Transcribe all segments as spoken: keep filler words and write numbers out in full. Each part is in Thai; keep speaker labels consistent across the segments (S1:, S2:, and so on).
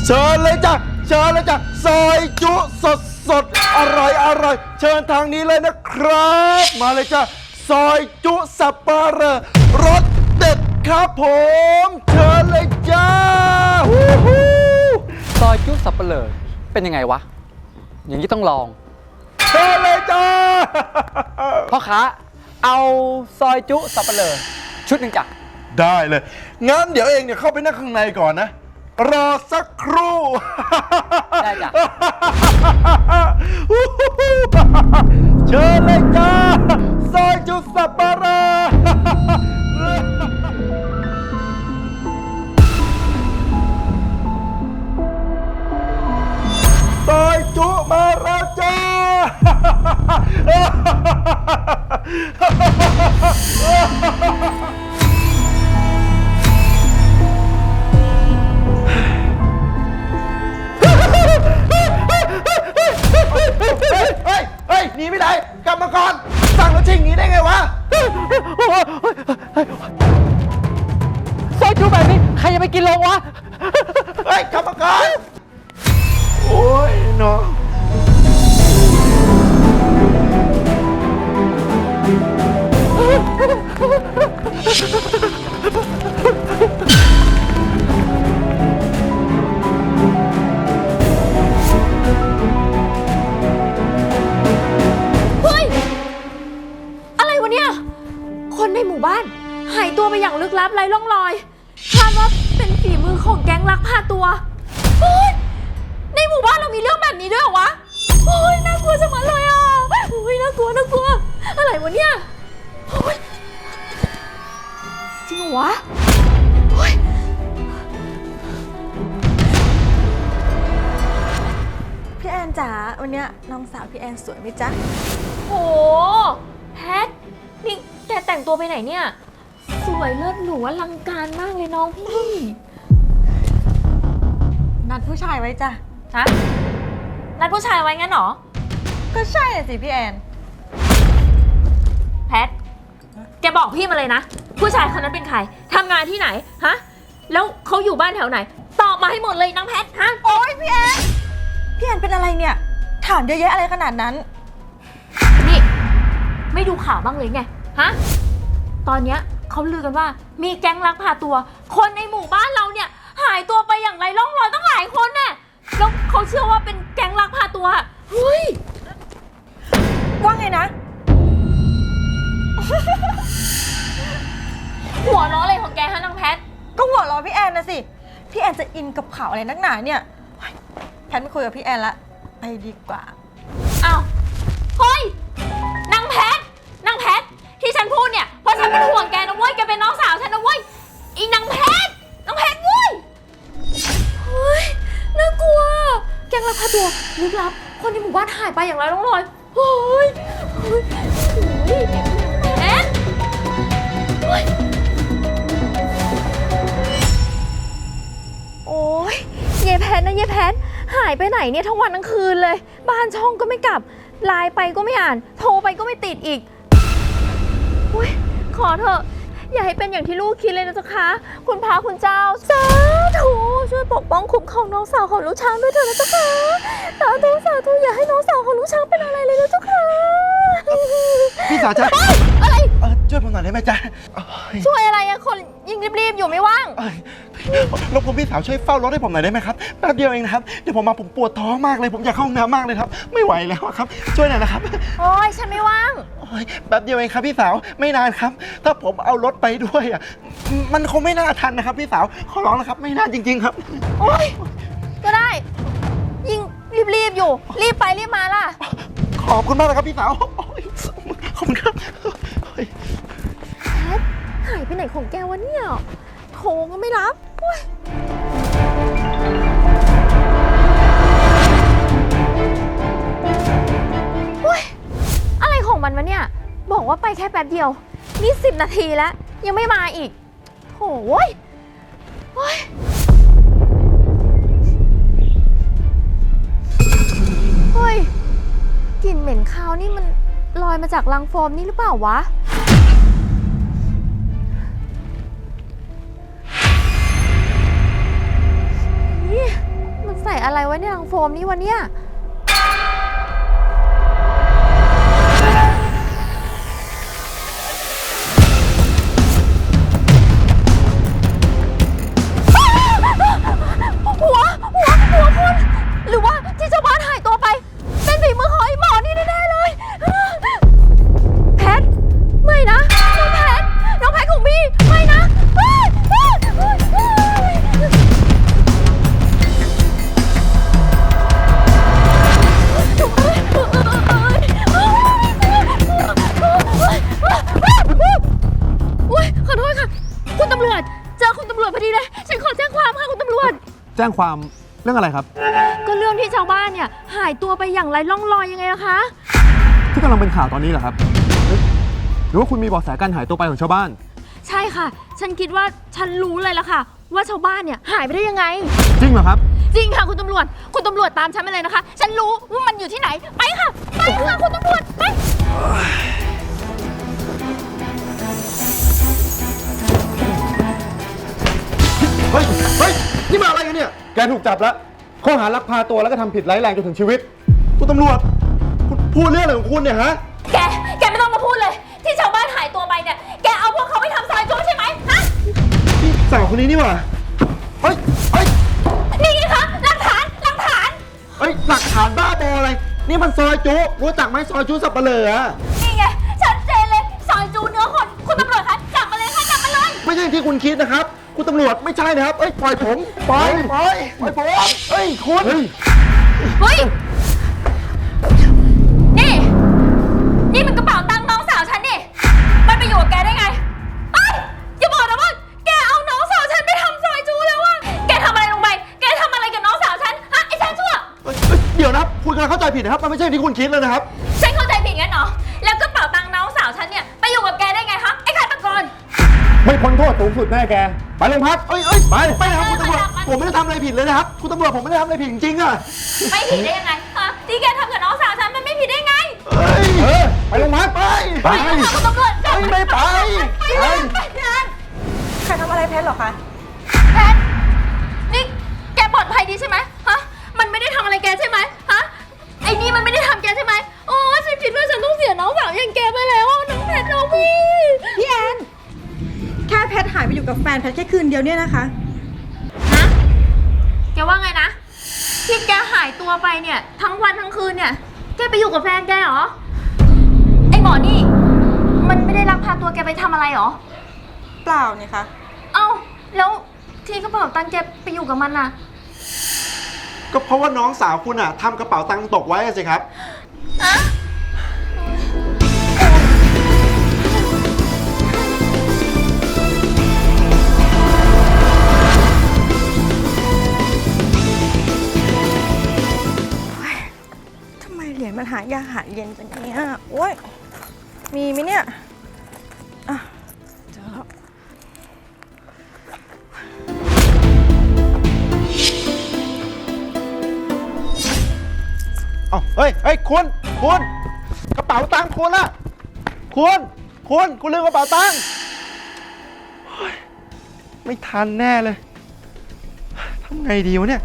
S1: เชิญเลยจ้ะเชิญเลยจ้ะซอยจุสดสดอร่อยอร่อยเชิญทางนี้เลยนะครับมาเลยจ้ะซอยจุสับปะเหร่อรสเด็ดครับผมเชิญเลยจ้าฮู้ฮู้
S2: ซอยจุสับเปลือเป็นยังไงวะอย่างนี้ต้องลอง
S1: เชิญเลยจ้า
S2: พ่อค้าเอาซอยจุสับเปลือชุดหนึ่งจ้ะ
S1: ได้เลยงั้นเดี๋ยวเองเนี่ยเข้าไปนั่งข้างในก่อนนะรอสักครู่
S2: ได้จ้ะ
S1: เชิญเลยจ้าซอยจุสับปะเหร่อซอยจุมาแล้วจ้า เฮ้ย เฮ้ย หนีไม่ได้กลับมาก่อน สั่งแล้วชิงหนีได้ไงวะ
S2: ซอยจุแบบนี้ใครจะไปกินลงวะ
S1: เฮ้ยกลับมาก่อน โอ้ยเนาะ
S3: คนในหมู่บ้านหายตัวไปอย่างลึกลับไร้ร่องรอยคาดว่าเป็นฝีมือของแก๊งลักพาตัวเฮ้ยในหมู่บ้านเรามีเรื่องแบบนี้ด้วยเหรอวะโอ้ยน่ากลัวจังเลยอ่ะโอ้ยน่ากลัวน่ากลัวอะไรวะเนี่ยโอ้ยจริงเหรอวะโอ้ยพี่แอนจ๋าวันเนี้ยน้องสาวพี่แอนสวยไหมจ๊ะโหแพทนี่แกแต่งตัวไปไหนเนี่ยสวยเลิศหรูอลังการมากเลยน้องพี่นัดผู้ชายไว้จ้ะฮะนัดผู้ชายไว้งั้นหรอก็ใช่สิพี่แอนแพทแกบอกพี่มาเลยนะผู้ชายคนนั้นเป็นใครทำงานที่ไหนฮะแล้วเขาอยู่บ้านแถวไหนตอบมาให้หมดเลยนางแพทฮะโอ๊ยพี่แอนพี่แอนเป็นอะไรเนี่ยถามเยอะแยะอะไรขนาดนั้นนี่ไม่ดูข่าวบ้างเลยไงฮะตอนเนี้ยเขาลือกันว่ามีแก๊งลักพาตัวคนในหมู่บ้านเราเนี่ยหายตัวไปอย่างไรร่องรอยตั้งหลายคนน่ะแล้วเขาเชื่อว่าเป็นแก๊งลักพาตัวเฮ้ยว่าไงนะ หัวล้ออะไรของแกฮะนางแพทก็หัวล้อพี่แอนนะสิพี่แอนจะอินกับข่าวอะไรนักหนาเนี่ยแพทไม่คุยกับพี่แอนละไปดีกว่าอ้าวเฮ้ยนางแพทนางแพทที่ฉันพูดเนี่ยเพราะฉันเป็นห่วงแกนะเว้ยแกเป็นน้องสาวฉันนะเว้ยอีนางแพทนางแพทเว้ยเฮ้ยน่ากลัวแก๊งลักพาตัวลึกลับคนในหมู่บ้านหายไปอย่างไรร่องรอยเฮ้ยเฮ้ยเฮ้ยแพทเฮ้ยโอ้ยเยแพทนะเยแพทหายไปไหนเนี่ยทั้งวันทั้งคืนเลยบ้านช่องก็ไม่กลับไลน์ไปก็ไม่อ่านโทรไปก็ไม่ติดอีกอุ๊ยขอเถอะอย่าให้เป็นอย่างที่ลูกคิดเลยนะจ๊ะคะคุณพระคุณเจ้าสาธุช่วยปกป้องคุ้มครองน้องสาวของลูกช้างด้วยเถอะนะจ๊ะคะสาธุสาธุอย่าให้น้องสาวของลูกช้างเป็นอะไรเลยนะจ๊ะคะ
S1: พี่สาวจ๊ะ
S3: อะไร
S1: ช่วยผมหน่อยได้ไหมจ๊ะ
S3: ช่วยอะไรอะคนยิ่งรีบๆอยู่ไม่ว่าง
S1: รบกวนพี่สาวช่วยเฝ้ารถให้ผมหน่อยได้ไหมครับแป๊บเดียวเองนะครับเดี๋ยวผมมาผมปวดท้องมากเลยผมอยากเข้าห้องน้ำมากเลยครับไม่ไหวแล้วครับช่วยหน่อยนะครับ
S3: โอ้ยฉันไม่ว่าง
S1: โอ้ยแป๊บเดียวเองครับพี่สาวไม่นานครับถ้าผมเอารถไปด้วยอ่ะมันคงไม่น่าทันนะครับพี่สาวขอร้องนะครับไม่น่าจริงๆครับ
S3: โอ้ยก็ได้ยิ่งรีบๆอยู่รีบไปรีบมาล่ะ
S1: ขอบคุณมากเลยครับพี่สาวขอบคุณครับ
S3: แพทหายไปไหนของแกวะเนี่ยโทรก็ไม่รับโอ้ยโอ้ยอะไรของมันวะเนี่ยบอกว่าไปแค่แป๊บเดียวนี่สิบนาทีแล้วยังไม่มาอีกโถ่โว้ยโอ้ยเฮ้ยกลิ่นเหม็นคาวนี่มันลอยมาจากรังโฟมนี่หรือเปล่าวะ
S4: อะไรไว้ในลังโฟมนี่วะเนี่ยหัวหัวหัวคุณหรือว่าที่ชาวบ้านหายตัวไปเป็นฝีมือของไอ้หมอนี่แน่ๆเลยแพทไม่นะน้องแพทน้องแพทของพี่ไม่นะขอโทษค่ะคุณตำรวจเจอคุณตำรวจพอดีเลยฉันขอแจ้งความค่ะคุณตำรวจ
S1: แจ้งความเรื่องอะไรครับ
S4: ก็เรื่องที่ชาวบ้านเนี่ยหายตัวไปอย่างไร้ร่องรอยยังไงล่ะคะ
S1: ที่กำลังเป็นข่าวตอนนี้เหรอครับหรือว่าคุณมีเบาะแสการหายตัวไปของชาวบ้าน
S4: ใช่ค่ะฉันคิดว่าฉันรู้เลยละค่ะว่าชาวบ้านเนี่ยหายไปได้ยังไง
S1: จริงเหรอครับ
S4: จริงค่ะคุณตำรวจคุณตำรวจตามฉันมาเลยนะคะฉันรู้ว่ามันอยู่ที่ไหนไปค่ะไปค่ะคุณตำรวจไป
S1: เฮ้ยเฮ้ยนี่มาอะไรกันเนี่ยแกถูกจับแล้วข้อหาลักพาตัวแล้วก็ทำผิดร้ายแรงจนถึงชีวิตคุณตำรวจคุณพูดเรื่องอะไรของคุณเนี่ยฮะ
S4: แกแกไม่ต้องมาพูดเลยที่ชาวบ้านหายตัวไปเนี่ยแกเอาพวกเขาไปทำซอยจูใช่ไหมฮะ
S1: พี่สาวคนนี้นี่หว่าเฮ้ยเฮ้ย
S4: นี่ไงคะหลักฐานหลักฐาน
S1: เฮ้ยหลักฐานบ้าบออะไรนี่มันซอยจูรู้จักไหมซอยจูสับปะเลออะ
S4: นี่ไงชัดเจนเลยซอยจูเนื้อคนคุณตำรวจคะจับมาเลยค่ะจับมาเลย
S1: ไม่ใช่ที่คุณคิดนะครับคุณตำรวจไม่ใช่นะครับเอ้ยปล่อยผมปล่อยปล่อยปล่อยผมเอ้ยคุณ
S4: เฮ้ยนี่นี่มันกระเป๋าตังค์น้องสาวฉันนี่มันไปอยู่กับแกได้ไงเอ้ยอย่าบอกนะว่าแกเอาน้องสาวฉันไปทำซอยจูแล้วว่ะแกทำอะไรลงไปแกทำอะไรกับน้องสาวฉันฮะไอ้ฉันชั่ว
S1: เดี๋ยวนะคุณกำลังเข้าใจผิดนะครับมันไม่ใช่ที่คุณคิดเลยนะครับ
S4: ฉันเข้าใจผิดงั้นเหรอแล้วกระเป๋าตังค์น้องสาวฉันเนี่ยไปอยู่กับแกได้ไงฮะไอ้ฆาตกร
S1: ไม่พ้นโทษสูงสุดแน่แกไปโรงพักเอ้ยเอ้ยไปไปนะครับคุณตำรวจผมไม่ได้ทำอะไรผิดเลยนะครับคุณตำรวจผมไม่ได้ทำอะไรผิดจริงๆอะ
S4: ไม่ผิดได้ยังไงฮะที่แกทำกับน้องสาวฉันมันไม่ผิดได้ไง
S1: เฮ้ยเออไปโรงพักไป
S4: ไปคุณตำรวจ
S1: ไปไม่ไป
S4: ไปไป
S3: ใครทำอะไรแพทหรอคะ
S4: แพทนี่แกปลอดภัยดีใช่ไหมฮะมันไม่ได้ทำอะไรแกใช่ไหมฮะไอ้นี่มันไม่ได้ทำแกใช่ไหมโอ้ฉันคิดว่าฉันต้องเสียน้องสาวอย่างแกไปแล้วน้องแพทน้องพี่
S3: พี่แอนแค่แพทหายไปอยู่กับแฟนแพทแค่คืนเดียวเนี่ยนะคะ
S4: ฮะแกว่าไงนะที่แกหายตัวไปเนี่ยทั้งวันทั้งคืนเนี่ยแกไปอยู่กับแฟนแกเหรอไอหมอนี่มันไม่ได้ลักพาตัวแกไปทำอะไรหรอ
S3: เปล่าเนี่ยคะ
S4: เอ้าแล้วที่กระเป๋าตังค์แกไปอยู่กับมันน่ะ
S1: ก็เพราะว่าน้องสาวคุณอะทำกระเป๋าตังค์ตกไว้สิครับ
S4: อะ
S3: เหรียญมันหายากหาเย็นจังเนี้ยโอ้ยมีไหมเนี่ยอ่ะเจอแล้ว
S1: เอาเฮ้ยเฮ้ยคุณคุณกระเป๋าตังค์คุณอะคุณคุณคุณลืมกระเป๋าตังค์ไม่ทันแน่เลยทำไงดีวะเนี่ย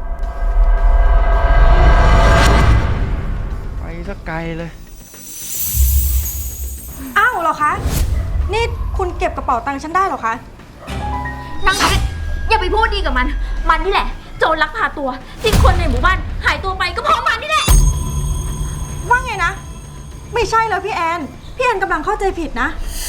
S1: สักไกลเลย
S3: อ้าวเหรอคะนี่คุณเก็บกระเป๋าตังค์ฉันได้เหรอคะ
S4: นางเพชรอย่าไปพูดดีกับมันมันนี่แหละโจรลักพาตัวที่คนในหมู่บ้านหายตัวไปก็เพราะมันนี่แหละ
S3: ว่าไงนะไม่ใช่แล้วพี่แอนพี่แอนกำลังเข้าใจผิดนะ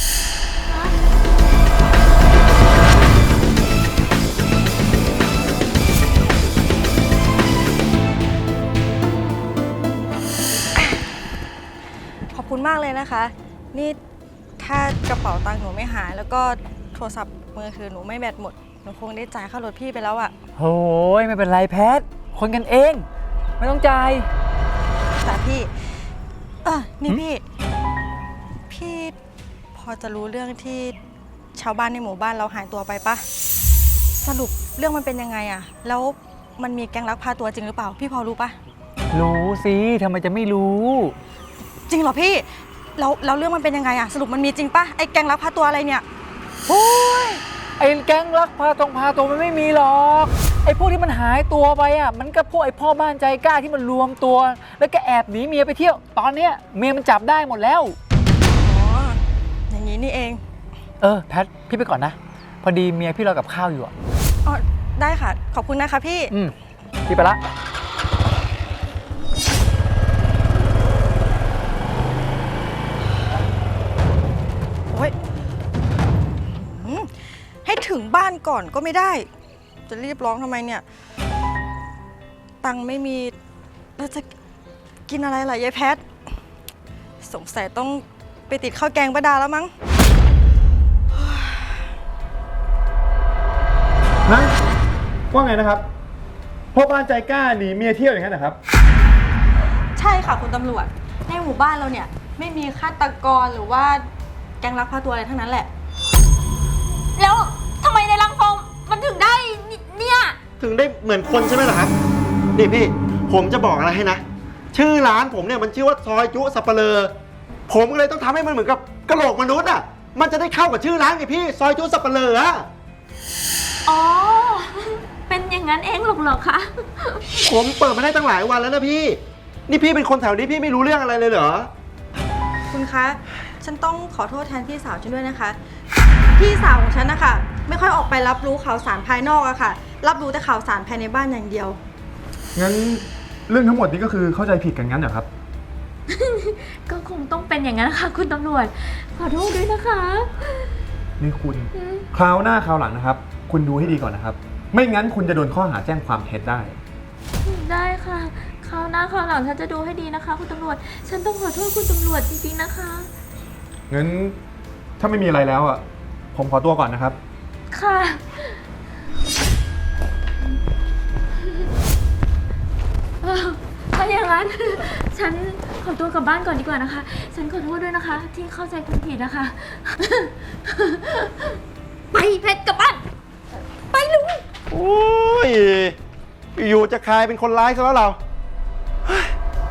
S3: ขอบคุณมากเลยนะคะนี่ถ้ากระเป๋าตังค์หนูไม่หายแล้วก็โทรศัพท์มือถือหนูไม่แบตหมดหนูคงได้จ่ายค่ารถพี่ไปแล้วอะ
S2: โอ้ยไม่เป็นไรแพทคนกันเองไม่ต้องจ่าย
S3: แต่พี่เออนี่พี่พี่พอจะรู้เรื่องที่ชาวบ้านในหมู่บ้านเราหายตัวไปปะสรุปเรื่องมันเป็นยังไงอะแล้วมันมีแก๊งลักพาตัวจริงหรือเปล่าพี่พอรู้ปะ
S2: รู้สิทำไมจะไม่รู้
S3: จริงเหรอพี่แล้วแล้วเรื่องมันเป็นยังไงอะสรุปมันมีจริงปะไอ้แก๊งลักพาตัวอะไรเนี่ย
S2: โอ้ยไอ้แก๊งลักพาตรงพาตัวมันไม่มีหรอกไอ้พวกที่มันหายตัวไปอ่ะมันก็พวกไอ้พ่อบ้านใจกล้าที่มันรวมตัว แล้วก็แอบหนีเมียไปเที่ยว ตอนเนี้ยเมียมันจับได้หมดแล้ว
S3: อ๋อ อย่างนี้นี่เอง
S2: เออแพทพี่ไปก่อนนะ พอดีเมียพี่รอกับข้าวอยู่อ่ะ
S3: อ๋อ ได้ค่ะ ขอบคุณนะคะพี่
S2: อืมพี่ไปละ
S3: โอ้ยหืมให้ถึงบ้านก่อนก็ไม่ได้ จะรีบร้องทำไมเนี่ย ตังค์ไม่มีแล้วจะกินอะไรล่ะยายแพท สงสัยต้องไปติดข้าวแกงป้าดาแล้วมั้ง
S1: ฮะว่าไงนะครับพ่อบ้านใจกล้าหนีเมียเที่ยวอย่างนั้นนะครับ
S3: ใช่ค่ะคุณตำรวจ ในหมู่บ้านเราเนี่ย ไม่มีฆาตกรหรือว่าแก๊งลักพาตัวอะไรทั้งนั้นแหละ
S4: แล้วทำไมในรังโฟมมันถึงได้นิเนี่ย
S1: ถึงได้เหมือนคนใช่ไหมล่ะครับนี่พี่ผมจะบอกอะไรให้นะ ชื่อร้านผมเนี่ยมันชื่อว่าซอยจุสับเปลอผมก็เลยต้องทำให้มันเหมือนกับกระโหลกมนุษย์อ่ะมันจะได้เข้ากับชื่อร้านไงพี่ซอยจุสับเปลออะ
S4: อ๋อ เป็นอย่างนั้นเองหรอกเหรอคะ
S1: ผมเปิดมาได้ตั้งหลายวันแล้วนะพี่ นี่พี่เป็นคนแถวนี้พี่ไม่รู้เรื่องอะไรเลยเหรอ
S3: คุณคะ ฉันต้องขอโทษแทนพี่สาวฉันด้วยนะคะ พี่สาวของฉันนะคะไม่ค่อยออกไปรับรู้ข่าวสารภายนอกอะค่ะ รับรู้แต่ข่าวสารภายในบ้านอย่างเดียว
S5: งั้นเรื่องทั้งหมดนี้ก็คือเข้าใจผิดกันงั้นเหรอครับ
S4: ก็คงต้องเป็นอย่างนั้นค่ะคุณตำรวจ ขอโทษด้วยนะคะ
S5: นี่คุณ คราวหน้าคราวหลังนะครับ คุณดูให้ดีก่อนนะครับ ไม่งั้นคุณจะโดนข้อหาแจ้งความเท็จได้
S4: ได้ค่ะ คราวหน้าคราวหลังฉันจะดูให้ดีนะคะ คุณตำรวจ ฉันต้องขอโทษคุณตำรวจจริงๆนะคะ
S5: งั้นถ้าไม่มีอะไรแล้วอ่ะ ผมขอตัวก่อนนะครับ
S4: ค่ะ เออถ้าอย่างนั้น ฉันขอตัวกลับบ้านก่อนดีกว่านะคะ ฉันขอโทษด้วยนะคะ ที่เข้าใจคุณผิดนะคะ ไปเพชรกลับบ้าน ไปลุง
S1: โอ้ย อยู่จะคลายเป็นคนร้ายซะแล้วเราเฮ้ย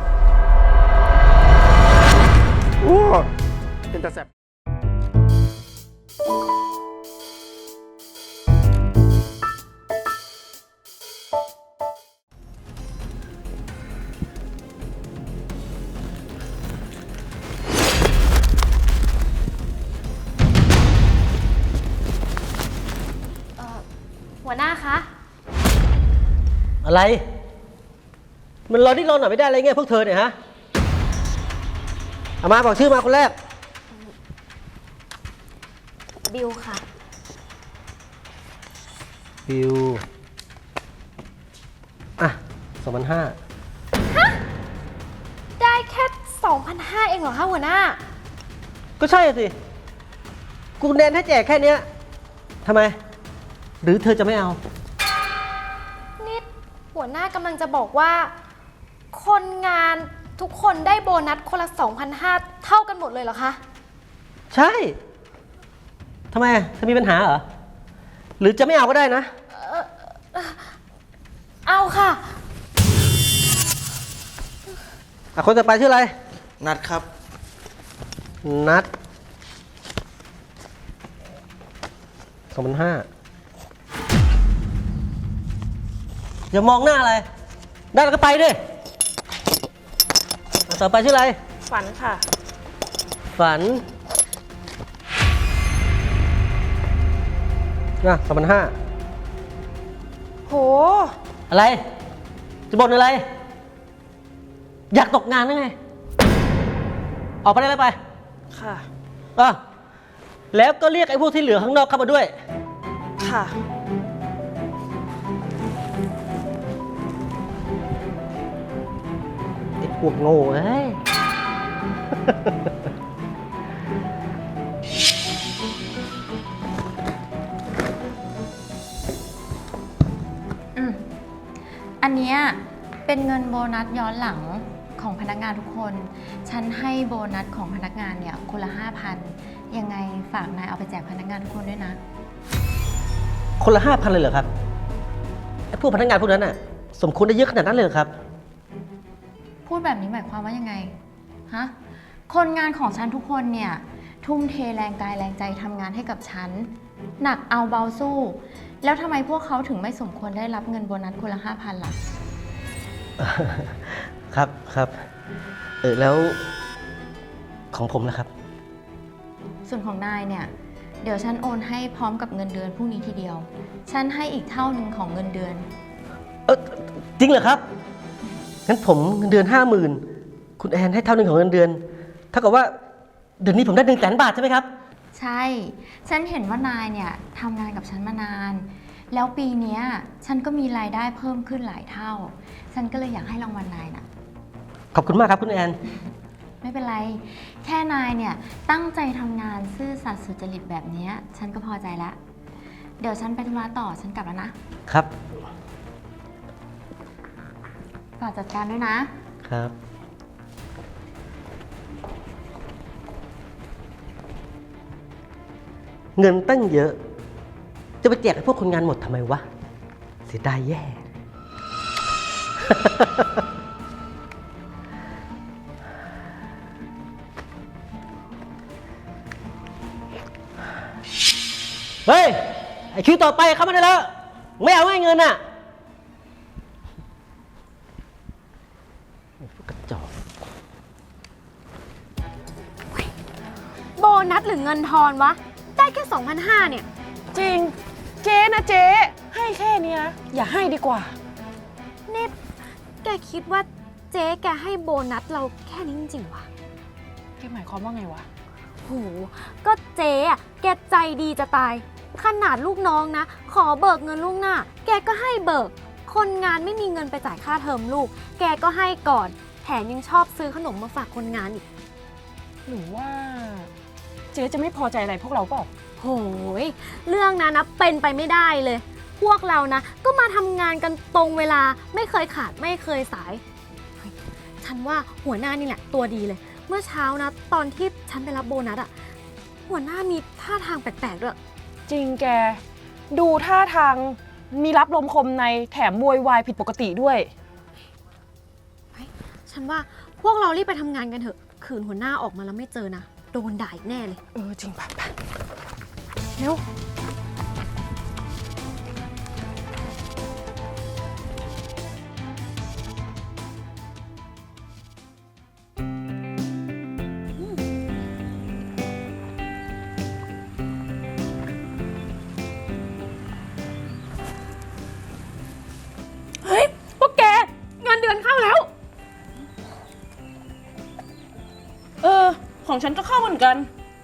S1: โอ้เป็นตาแสบ
S4: หัวหน้าคะ
S6: อะไร มันรอที่รอหน่อยไม่ได้อะไรเงี้ยพวกเธอเนี่ยฮะเอามาบอกชื่อมาคนแรก
S4: บิวค่ะ
S6: บิว อ่ะสองพันห้า
S4: ได้แค่ สองพันห้าร้อย เองเหรอคะหัวหน้า
S6: ก็ใช่สิ กูแนนให้แจกแค่เนี้ยทำไม หรือเธอจะไม่เอา
S7: นี่หัวหน้ากำลังจะบอกว่า คนงานทุกคนได้โบนัสคนละ สองพันห้าร้อย เท่ากันหมดเลยเหรอคะ
S6: ใช่ทำไมเธอมีปัญหาเหรอ หรือจะไม่เอาก็ได้นะ
S7: เอาค่ะ
S6: อ่ะคนต่อไปชื่ออะไร
S1: นัดครับ
S6: นัดสองพันห้าอย่ามองหน้าอะไร ได้แล้วก็ไปด้วยอ่ะต่อไปชื่ออะไร
S3: ฝันค่ะ
S6: ฝันนะสองพันห้า
S3: โห
S6: อะไร จะบ่นอะไร อยากตกงานหรือไง ออกไปได้แล้วไป
S3: ค่ะ
S6: อ่ะแล้วก็เรียกไอ้พวกที่เหลือข้างนอกเข้ามาด้วย
S3: ค่ะ
S6: ไอ้พวกโง่เอ้ย
S4: อืมอันเนี้ยเป็นเงินโบนัสย้อนหลังของพนักงานทุกคน ฉันให้โบนัสของพนักงานเนี่ยคนละห้าพันยังไงฝากนายเอาไปแจกพนักงานทุกคนด้วยนะ
S6: คนละห้าพันเลยเหรอครับ ไอ้พวกพนักงานพวกนั้นน่ะ สมควรได้เยอะขนาดนั้นเลยเหรอครับ
S4: พูดแบบนี้หมายความว่ายังไง ฮะ คนงานของฉันทุกคนเนี่ย
S8: ทุ่มเทแรงกายแรงใจทำงานให้กับฉัน หนักเอาเบาสู้ แล้วทำไมพวกเขาถึงไม่สมควรได้รับเงินโบนัสคนละห้าพันล่ะ
S6: ครับครับ เออแล้วของผมนะครับ
S8: ส่วนของนายเนี่ย เดี๋ยวฉันโอนให้พร้อมกับเงินเดือนพรุ่งนี้ทีเดียว ฉันให้อีกเท่าหนึ่งของเงินเดือน
S6: เออจริงเหรอครับ งั้นผมเงินเดือนห้าหมื่นคุณแอนให้เท่าหนึ่งของเงินเดือนเท่ากับว่าเดือนนี้ผมได้หนึ่งแสนบาทใช่ไหมครับ
S8: ใช่ ฉันเห็นว่านายเนี่ยทำงานกับฉันมานาน แล้วปีเนี้ยฉันก็มีรายได้เพิ่มขึ้นหลายเท่า ฉันก็เลยอยากให้รางวัลนายน่ะ
S6: ขอบคุณมากครับคุณแอน
S8: ไม่เป็นไร แค่นายเนี่ยตั้งใจทำงานซื่อสัตย์สุจริตแบบเนี้ยฉันก็พอใจแล้ว เดี๋ยวฉันไปธุระต่อฉันกลับแล้วนะครับ ฝากจัดการด้วยนะ
S6: ครับ เงินตั้งเยอะ จะไปแจกให้พวกคนงานหมดทำไมวะ เสียดายแย่ เฮ้ย ไอคิวต่อไปเข้ามาได้แล้ว ไม่เอาให้เงินอ่ะไอ้พวกกระจอก
S7: โบนัสหรือเงินทอนวะ ได้แค่ สองพันห้าร้อย เนี่ย
S9: จริง เจ๊นะเจ๊ให้แค่เนี้ยอย่าให้ดีกว่า
S7: นี่แกคิดว่าเจ๊แกให้โบนัสเราแค่นี้จริงๆวะ
S9: แกหมายความว่าไงวะ
S7: โห ก็เจ๊อะแกใจดีจะตาย ขนาดลูกน้องนะ ขอเบิกเงินล่วงหน้า แกก็ให้เบิก คนงานไม่มีเงินไปจ่ายค่าเทอมลูก แกก็ให้ก่อน แถมยังชอบซื้อขนมมาฝากคนงานอีก
S9: หรือว่า เจ๊จะไม่พอใจอะไรพวกเราเปล่า
S7: โหย เรื่องนั้นนะเป็นไปไม่ได้เลย พวกเรานะ ก็มาทำงานกันตรงเวลา ไม่เคยขาดไม่เคยสายเฮ้ยฉันว่าหัวหน้านี่แหละตัวดีเลย เมื่อเช้านะ ตอนที่ฉันไปรับโบนัสอะหัวหน้ามีท่าทางแปลกๆด้วย
S9: จริงแก ดูท่าทางมีรับลมคมในแถมโวยวายผิดปกติด้วย
S7: ฉันว่าพวกเรารีบไปทำงานกันเถอะ ขืนหัวหน้าออกมาแล้วไม่เจอนะ โดนด่าอีกแน่เลย
S9: เออจริงป่ะป่ะเร็ว เฮ้ย พวกแกเงินเดือนเข้าแล้ว เออ ของฉันก็เข้าเหมือนกัน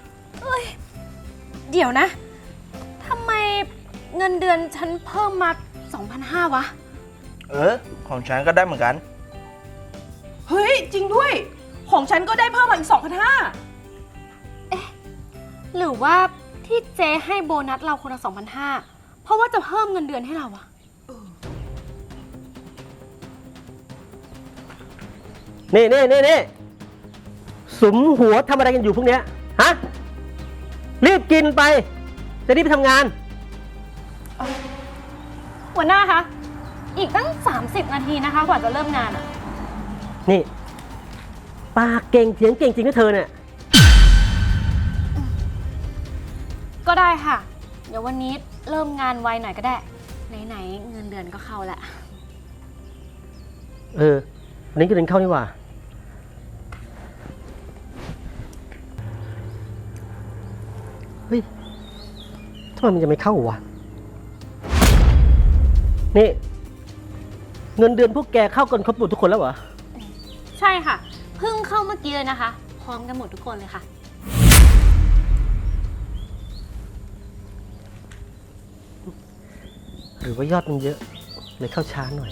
S7: เดี๋ยวนะ ทำไมเงินเดือนฉันเพิ่มมา สองพันห้าร้อย วะ
S10: เออ ของฉันก็ได้เหมือนกัน
S9: เฮ้ย จริงด้วย ของฉันก็ได้เพิ่มมาอีก สองพันห้าร้อย
S7: หรือว่าที่เจ๊ให้โบนัสเราคนละ สองพันห้าร้อย เพราะว่าจะเพิ่มเงินเดือนให้เราอะ
S6: นี่นี่นี่นี่สุมหัวทำอะไรกันอยู่พวกเนี้ย ฮะ รีบกินไป จะรีบไปทำงาน
S7: หัวหน้าคะ อีกตั้ง สามสิบ นาทีนะคะ กว่าจะเริ่มงานอะ
S6: นี่ ปากเก่งเถียงเก่งจริงนะเธอเนี่ย
S7: ก็ได้ค่ะ เดี๋ยววันนี้เริ่มงานไวหน่อยก็ได้ ไหนๆเงินเดือนก็เข้าละ
S6: เออวันนี้ก็เดินเข้านี่หว่า เฮ้ยทำไมมันจะไม่เข้าวะ นี่ เงินเดือนพวกแกเข้ากันครบหมดทุกคนแล้วเหรอ
S7: ใช่ค่ะ เพิ่งเข้าเมื่อกี้เลยนะคะ พร้อมกันหมดทุกคนเลยค่ะ
S6: หรือว่ายอดมันเยอะ เลยเข้าช้าหน่อย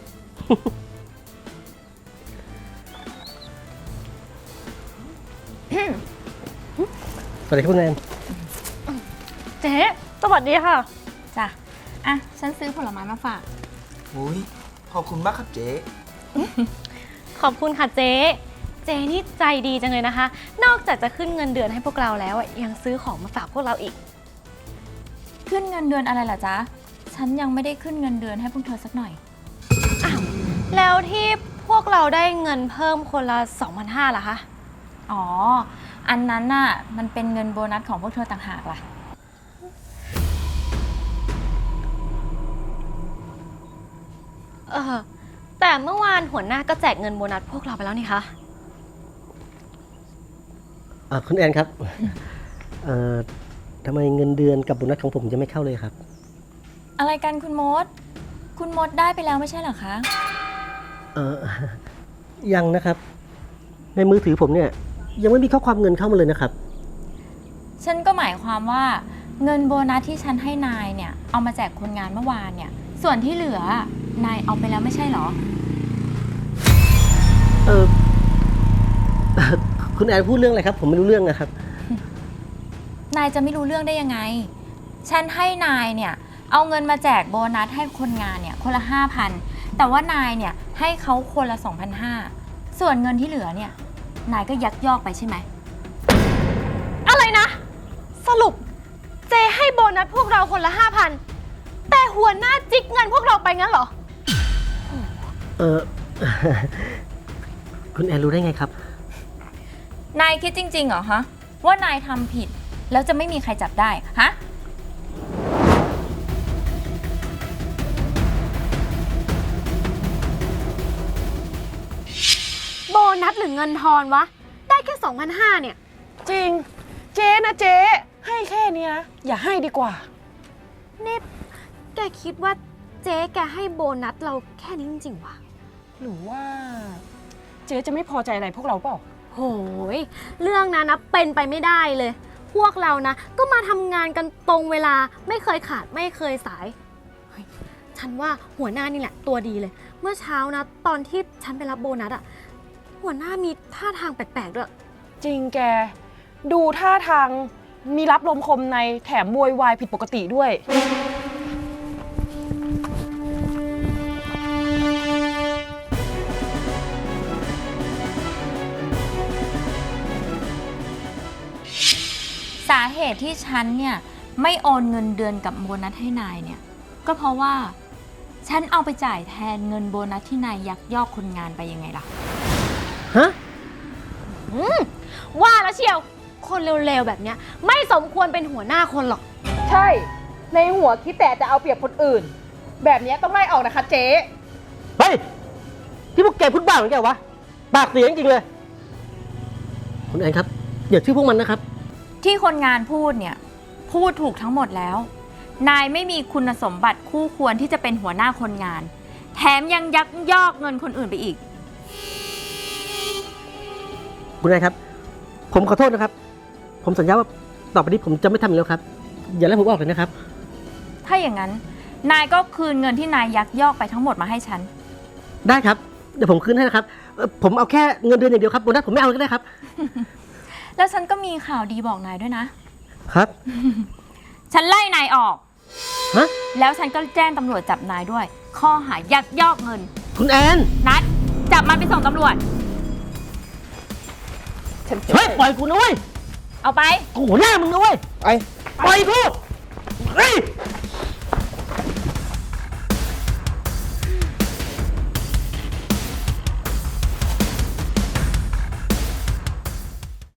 S6: สวัสดีครับคุณแนน
S7: เจ๊สวัสดีค่ะ
S8: จ้ะ อ่ะ ฉันซื้อผลไม้มาฝาก
S10: อุ้ยขอบคุณมากครับเจ๊
S7: ขอบคุณค่ะเจ๊ เจ๊นี่ใจดีจังเลยนะคะ นอกจากจะขึ้นเงินเดือนให้พวกเราแล้วอะยังซื้อของมาฝากพวกเราอีก
S8: ขึ้นเงินเดือนอะไรล่ะจ๊ะ ฉันยังไม่ได้ขึ้นเงินเดือนให้พวกเธอสักหน่อย
S7: แล้วที่พวกเราได้เงินเพิ่มคนละ สองพันห้าร้อย ล่ะคะ
S8: อ๋ออันนั้นน่ะมันเป็นเงินโบนัสของพวกเธอต่างหากล่ะ
S7: เออแต่เมื่อวานหัวหน้าก็แจกเงินโบนัสพวกเราไปแล้วนี่คะ
S6: เอ่อคุณแอนครับ เอ่อทำไมเงินเดือนกับโบนัสของผมจะไม่เข้าเลยครับ
S8: อะไรกันคุณมด คุณมดได้ไปแล้วไม่ใช่เหรอคะ
S6: เออ ยังนะครับ ในมือถือผมเนี่ย ยังไม่มีข้อความเงินเข้ามาเลยนะครับ
S8: ฉันก็หมายความว่าเงินโบนัสที่ฉันให้นายเนี่ยเอามาแจกคนงานเมื่อวานเนี่ย ส่วนที่เหลือนายเอาไปแล้วไม่ใช่เหรอ
S6: เออ คุณแอนพูดเรื่องอะไรครับ ผมไม่รู้เรื่องนะครับ
S8: นายจะไม่รู้เรื่องได้ยังไง ฉันให้นายเนี่ยเอาเงินมาแจกโบนัสให้คนงานเนี่ยคนละห้าพันแต่ว่านายเนี่ยให้เขาคนละสองพันห้าส่วนเงินที่เหลือเนี่ยนายก็ยักยอกไปใช่ไหม
S7: อะไรนะ สรุปเจให้โบนัสพวกเราคนละห้าพันแต่หัวหน้าจิกเงินพวกเราไปงั้นเหรอ
S6: เออ คุณแอนรู้ได้ไงครับ
S8: นายคิดจริงๆเหรอฮะว่านายทำผิดแล้วจะไม่มีใครจับได้ฮะ
S7: โบนัสหรือเงินทอนวะ ได้แค่สองพันห้าเนี่ย
S9: จริง เจ๊นะเจ๊ให้แค่เนี้ยอย่าให้ดีกว่า
S7: นี่แกคิดว่าเจ๊แกให้โบนัสเราแค่นี้จริงๆวะ
S9: หรือว่า เจ๊จะไม่พอใจอะไรพวกเราเปล่า
S7: โหย เรื่องนั้นนะเป็นไปไม่ได้เลย พวกเรานะก็มาทำงานกันตรงเวลาไม่เคยขาดไม่เคยสายเฮ้ยฉันว่าหัวหน้านี่แหละตัวดีเลย เมื่อเช้านะตอนที่ฉันไปรับโบนัสอะหัวหน้ามีท่าทางแปลกๆด้วย
S9: จริงแก ดูท่าทางมีรับลมคมในแถมโวยวายผิดปกติด้วย
S8: สาเหตุที่ฉันเนี่ยไม่โอนเงินเดือนกับโบนัสให้นายเนี่ยก็เพราะว่าฉันเอาไปจ่ายแทนเงินโบนัสที่นายยักยอกคนงานไปยังไงล่ะ
S6: ฮะ
S7: อืมว่าแล้วเชียว คนเร็วๆแบบเนี้ยไม่สมควรเป็นหัวหน้าคนหรอก
S9: ใช่ ในหัวคิดแต่จะเอาเปรียบคนอื่น แบบเนี้ยต้องไล่ออกนะคะเจ๊
S6: เฮ้ย ที่พวกแกพูดบ้าเหมือนแกวะ ปากเสียจริงๆเลย คุณแอนครับ อย่าชื่อพวกมันนะครับ
S8: ที่คนงานพูดเนี่ยพูดถูกทั้งหมดแล้ว นายไม่มีคุณสมบัติคู่ควรที่จะเป็นหัวหน้าคนงาน แถมยังยักยอกเงินคนอื่นไปอีก
S6: คุณแอนครับ ผมขอโทษนะครับ ผมสัญญาว่าต่อไปนี้ผมจะไม่ทำอีกแล้วครับ อย่าไล่ผมออกเลยนะครับ
S8: ถ้าอย่างนั้นนายก็คืนเงินที่นายยักยอกไปทั้งหมดมาให้ฉัน
S6: ได้ครับ เดี๋ยวผมคืนให้นะครับเอ่อผมเอาแค่เงินเดือนอย่างเดียวครับโบนัสผมไม่เอาก็ได้ครับ
S8: แล้วฉันก็มีข่าวดีบอกนายด้วยนะ
S6: ครับ
S8: ฉันไล่นายออก
S6: ฮะ
S8: แล้วฉันก็แจ้งตำรวจจับนายด้วย ข้อหายักยอกเงิน
S6: คุณแอน
S8: นัดจับมันไปส่งตำรวจ
S6: เฮ้ย ปล่อยกูนะเว้ย
S8: เอาไป
S6: กูหัวหน้ามึงนะเว้ย
S10: ไอ้
S6: ปล่อยกู